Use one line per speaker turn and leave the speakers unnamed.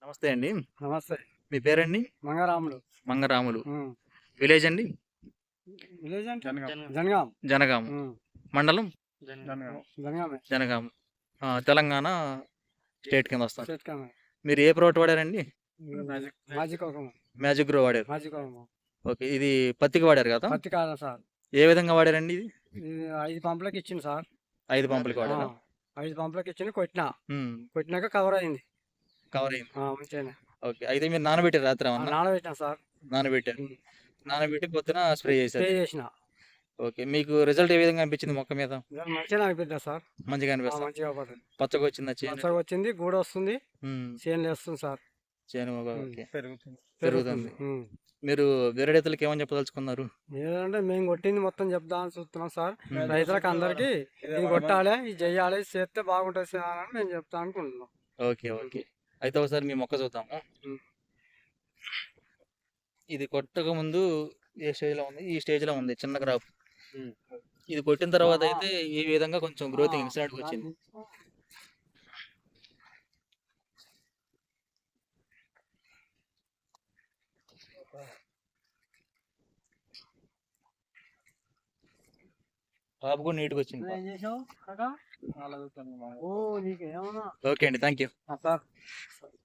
నమస్తే అండి.
నమస్తే.
మీ పేరండి?
మంగారాములు.
మంగరాములు.
హ్మ్.
విలేజ్ అండి?
విలేజ్ అంటే
జనగాం.
జనగాం.
జనగాం.
హ్మ్.
మండలం?
జనగాం.
జనగామే.
జనగాం. తెలంగాణ స్టేట్ కింద వస్తాం.
స్టేట్ కామే.
మీరు ఏ ప్రోడక్ట్ వాడారండి?
మాజిక్ ఒకము.
మ్యాజిక్ గ్రో వాడారు.
మాజిక్ ఒకము.
ఓకే. ఇది పత్తికి వాడారు కదా?
పత్తి కాదా సార్?
ఏ విధంగా వాడారండి ఇది?
ఇది 5 పంపులకి ఇచ్చింది సార్.
5 పంపులకి వాడారా?
5 పంపులకి ఇచ్చింది కొట్టినా.
హ్మ్.
కొట్టినాక కవర్ అయింది.
కవర్ అయింది.
మంచిగానే.
ఓకే. అయితే మీరు నానబెట్టారు రాత్రి ఏమన్నా?
నానబెట్టినా సార్.
నానబెట్టారు.
హ్మ్.
నానబెట్టి పొద్దున స్ప్రే
స్ప్రే
చేశారు.
చేసిన.
ఓకే. మీకు రిజల్ట్ ఏ విధంగా అనిపించింది మొక్క మీద?
మంచిగానే అనిపిద్దా సార్.
మంచిగా అనిపిస్తుంది.
మంచిగా పడుతుంది.
పచ్చగా వచ్చిందా చేను?
పచ్చగా వచ్చింది, గూడ వస్తుంది,
హ్మ్.
చేనులు వేస్తుంది సార్.
చేను ఓకే.
పెరుగుతుంది.
పెరుగుతుంది. మీరు వేరే రైతులకు ఏమని చెప్పదలుచుకున్నారు?
ఏదంటే మేము కొట్టింది మొత్తం చెప్దామని చూస్తున్నాం సార్. రైతులకు అందరికీ ఇది కొట్టాలి, ఇది చెయ్యాలి, ఇది చేస్తే బాగుంటుంది సార్ అని మేము చెప్తా అనుకుంటున్నాం.
ఓకే. ఓకే. అయితే ఒకసారి మీ మొక్క చూద్దాము.
ఉమ్.
ఇది కొట్టక ముందు ఏ స్టేజ్‌లో ఉంది? ఈ స్టేజ్‌లో ఉంది చిన్న క్రాప్.
ఉమ్.
ఇది కొట్టిన తర్వాత అయితే ఈ విధంగా కొంచెం గ్రోతింగ్ ఇన్సైడ్‌కి వచ్చింది. టాప్ కూడా నీట్‌గా వచ్చింది.
ఏం చేసావు కాకా? ఓ నీకు ఏమన్నా
ఓకే అండి. Thank you.
సార్